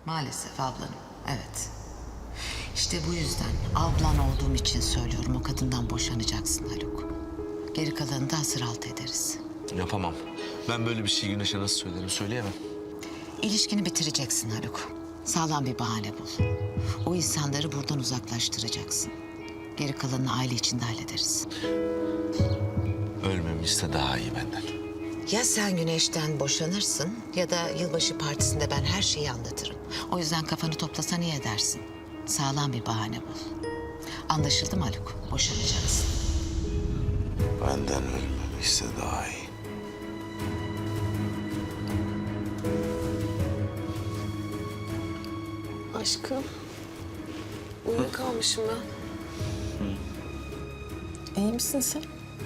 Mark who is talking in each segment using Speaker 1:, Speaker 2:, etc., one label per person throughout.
Speaker 1: Maalesef ablanım, evet. İşte bu yüzden ablan olduğum için söylüyorum, o kadından boşanacaksın Haluk. Geri kalanını da hasır altı ederiz.
Speaker 2: Yapamam. Ben böyle bir şey Güneş'e nasıl söylerim, söyleyemem.
Speaker 1: İlişkini bitireceksin Haluk. Sağlam bir bahane bul. O insanları buradan uzaklaştıracaksın. Geri kalanını aile içinde hallederiz.
Speaker 2: Ölmemi iste daha iyi benden.
Speaker 1: Ya sen Güneş'ten boşanırsın ya da yılbaşı partisinde ben her şeyi anlatırım. O yüzden kafanı toplasan iyi edersin. Sağlam bir bahane bul. Anlaşıldı mı Haluk? Boşanacaksın.
Speaker 2: Benden ölmemi iste daha iyi.
Speaker 3: Aşkım, uyuyakalmışım ben. İyi misin sen?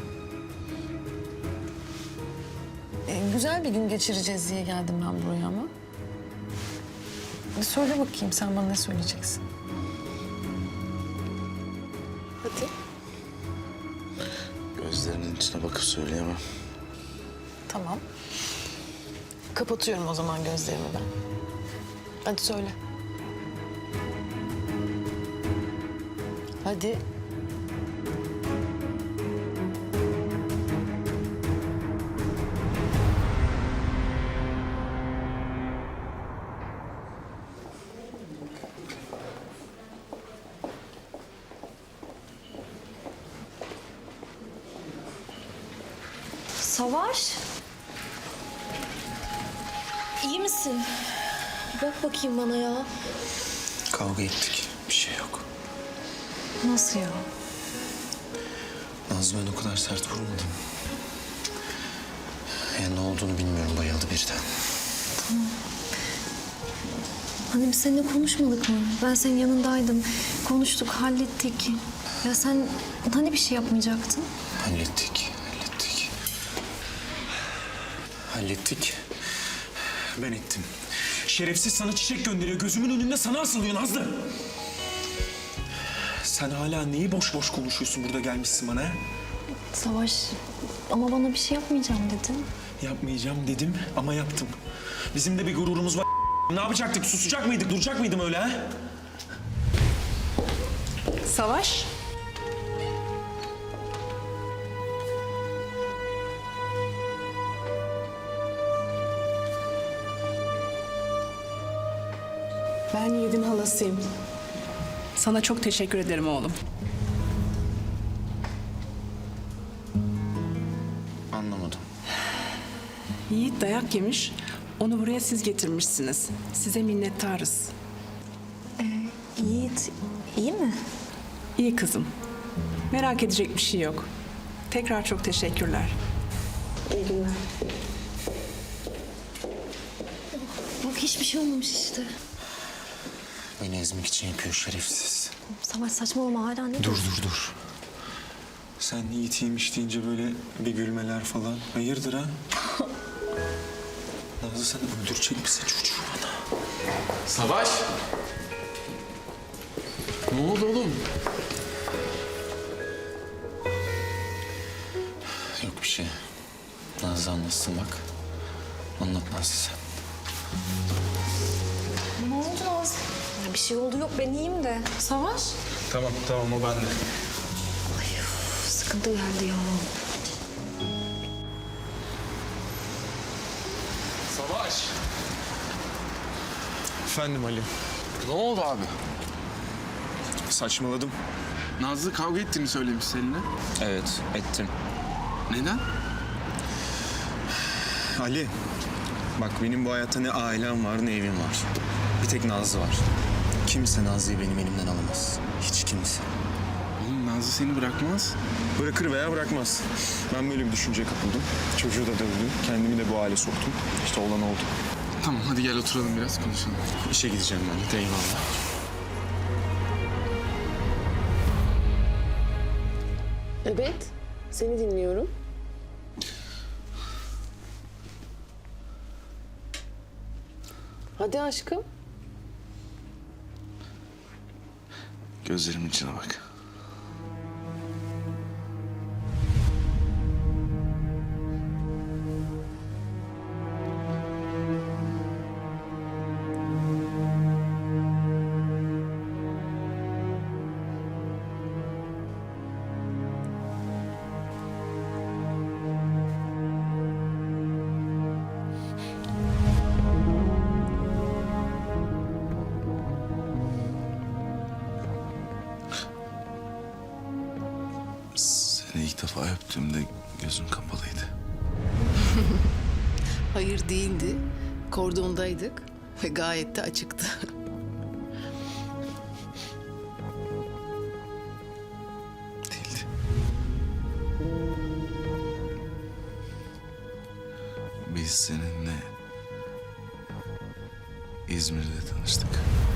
Speaker 3: Güzel bir gün geçireceğiz diye geldim ben buraya ama. Söyle bakayım, sen bana ne söyleyeceksin? Hadi.
Speaker 2: Gözlerinin içine bakıp söyleyemem.
Speaker 3: Tamam. Kapatıyorum o zaman gözlerimi ben. Hadi söyle. Hadi.
Speaker 4: Savaş. İyi misin? Bir bak bakayım bana ya.
Speaker 5: Kavga ettik. Bir şey yok.
Speaker 4: Nasıl ya?
Speaker 5: Nazlı ben o kadar sert vurmadım. Ya ne olduğunu bilmiyorum. Bayıldı birden.
Speaker 4: Hani biz seninle konuşmadık mı? Ben senin yanındaydım. Konuştuk, hallettik. Ya sen hani bir şey yapmayacaktın?
Speaker 5: Hallettik. Hallettik. Ben ettim. Şerefsiz sana çiçek gönderiyor. Gözümün önünde sana asılıyor Nazlı. Sen hala neyi boş boş konuşuyorsun burada gelmişsin bana?
Speaker 4: Savaş, ama bana bir şey yapmayacağım dedin.
Speaker 5: Yapmayacağım dedim ama yaptım. Bizim de bir gururumuz var. Ne yapacaktık? Susacak mıydık? Duracak mıydım öyle ha?
Speaker 3: Savaş.
Speaker 6: Ben Yiğit'in halasıyım. Sana çok teşekkür ederim oğlum.
Speaker 5: Anlamadım.
Speaker 6: Yiğit dayak yemiş, onu buraya siz getirmişsiniz. Size minnettarız.
Speaker 4: Yiğit, iyi mi?
Speaker 6: İyi kızım. Merak edecek bir şey yok. Tekrar çok teşekkürler.
Speaker 4: İyi günler. Bak hiçbir şey olmamış işte.
Speaker 5: Beni ezmek için yapıyor şerefsiz.
Speaker 4: Savaş saçmalama hala ne
Speaker 5: Dur. Sen Yiğit'iymiş deyince böyle bir gülmeler falan. Hayırdır ha? Nazlı sen öldürecek misin çocuğu bana?
Speaker 2: Savaş! Ne oldu oğlum?
Speaker 5: Yok bir şey. Nazlı anlatsın bak. Anlat Nazlı sen.
Speaker 4: Ne oldu Naz? Ya bir şey oldu yok ben iyiyim de. Savaş?
Speaker 5: Tamam o bende.
Speaker 4: Sıkıntı geldi ya.
Speaker 2: Savaş!
Speaker 5: Efendim Ali.
Speaker 2: Ne oldu abi?
Speaker 5: Saçmaladım.
Speaker 7: Nazlı kavga ettiğini söylemiş seninle.
Speaker 5: Evet ettim.
Speaker 7: Neden?
Speaker 5: Ali. Bak benim bu hayatta ne ailem var ne evim var. Bir tek Nazlı var. Kimse Nazlı'yı benim elimden alamaz. Hiç kimse.
Speaker 7: Oğlum Nazlı seni bırakmaz.
Speaker 5: Bırakır veya bırakmaz. Ben böyle bir düşünceye kapıldım. Çocuğu da dövdüm. Kendimi de bu hale soktum. İşte olan oldu.
Speaker 7: Tamam hadi gel oturalım biraz konuşalım.
Speaker 5: İşe gideceğim ben de. Eyvallah.
Speaker 3: Evet, seni dinliyorum. Hadi aşkım.
Speaker 2: Gözlerimin içine bak. İlk defa öptüğümde gözüm kapalıydı.
Speaker 8: Hayır değildi. Kordondaydık ve gayet de açıktı.
Speaker 2: Değildi. Biz seninle İzmir'de tanıştık.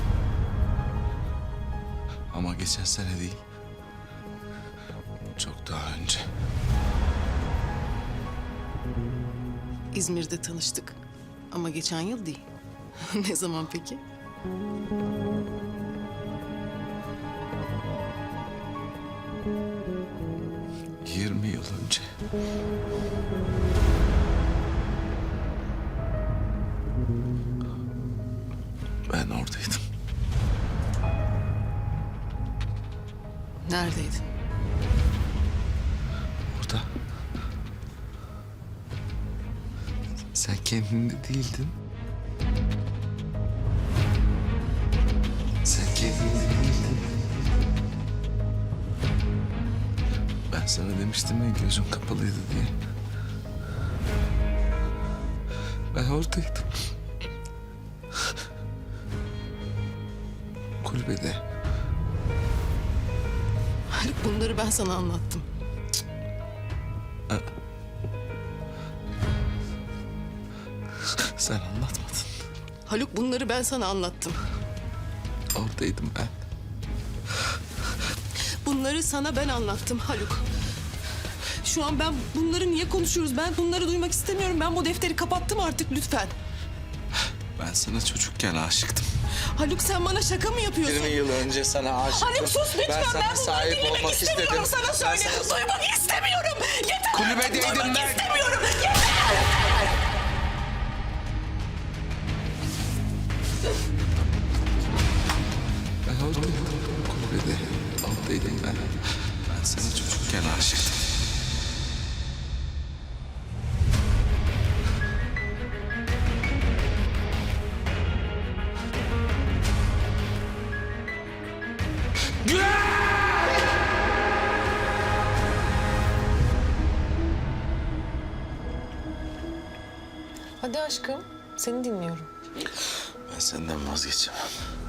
Speaker 2: Ama geçen sene değil. Çok daha önce.
Speaker 8: İzmir'de tanıştık. Ama geçen yıl değil. Ne zaman peki?
Speaker 2: — 20 yıl önce. Ben oradaydım.
Speaker 8: Neredeydin?
Speaker 2: Orada. Sen kendinde değildin. Sen kendinde değildin. Ben sana demiştim ya gözüm kapalıydı diye. Ben oradaydım. Kulübede.
Speaker 8: Haluk, bunları ben sana anlattım.
Speaker 2: Sen anlatmadın.
Speaker 8: Haluk, bunları ben sana anlattım.
Speaker 2: Oradaydım ben.
Speaker 8: Bunları sana ben anlattım Haluk. Şu an ben bunları niye konuşuyoruz? Ben bunları duymak istemiyorum. Ben bu defteri kapattım artık, lütfen.
Speaker 2: Ben sana çocukken aşıktım.
Speaker 8: Haluk, sen bana şaka mı yapıyorsun?
Speaker 2: 20 yıl önce sana aşıktım.
Speaker 8: Haluk sus lütfen. Ben bunları
Speaker 2: sahip
Speaker 8: dinlemek
Speaker 2: olmak
Speaker 8: istemiyorum.
Speaker 2: istedim.
Speaker 8: Sana söyle. Duymak istemiyorum. Yeter.
Speaker 2: Kulübedeydim
Speaker 8: Duymak
Speaker 2: ben.
Speaker 8: istemiyorum. Yeter.
Speaker 2: Ben oradaydım. Kulübede. Oradaydım ben. Ben sana çocukken aşıktım.
Speaker 3: Hadi aşkım, seni dinliyorum.
Speaker 2: Ben senden vazgeçemem.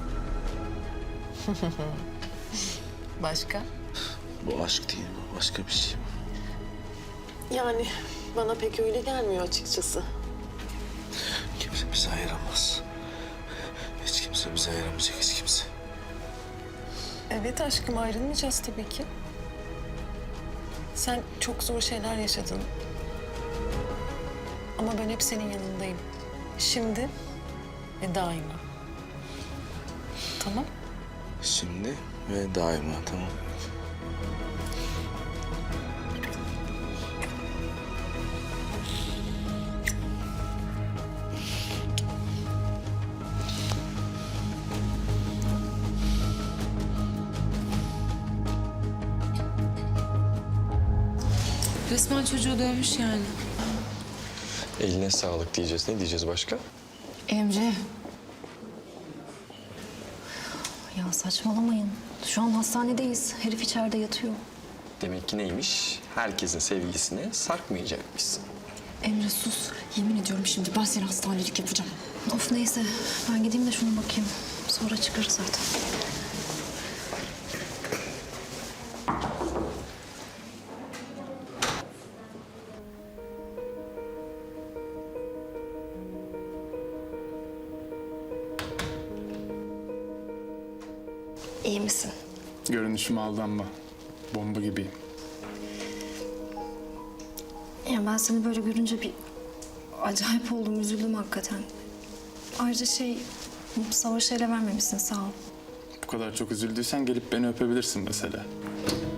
Speaker 3: Başka?
Speaker 2: Bu aşk değil, bu başka bir şey.
Speaker 3: Yani bana pek öyle gelmiyor açıkçası.
Speaker 2: Kimse bizi ayıramaz. Hiç kimse bizi ayıramayacak, hiç kimse.
Speaker 3: Evet aşkım, ayrılmayacağız tabii ki. Sen çok zor şeyler yaşadın. Ama ben hep senin yanındayım. Şimdi ve daima. Tamam?
Speaker 2: Şimdi ve daima, tamam.
Speaker 9: Resmen çocuğu dövmüş yani.
Speaker 10: Eline sağlık diyeceğiz. Ne diyeceğiz başka?
Speaker 4: Emre. Ya saçmalamayın. Şu an hastanedeyiz. Herif içeride yatıyor.
Speaker 10: Demek ki neymiş? Herkesin sevgilisine sarkmayacakmışsın.
Speaker 4: Emre sus. Yemin ediyorum şimdi ben seni hastanelik yapacağım. Of neyse. Ben gideyim de şuna bakayım. Sonra çıkarız zaten. İyi misin?
Speaker 7: Görünüşüme aldanma. Bomba gibiyim.
Speaker 4: Ya ben seni böyle görünce bir acayip oldum, üzüldüm hakikaten. Ayrıca Savaş'a ele vermemişsin, sağ ol.
Speaker 7: Bu kadar çok üzüldüysen gelip beni öpebilirsin mesela.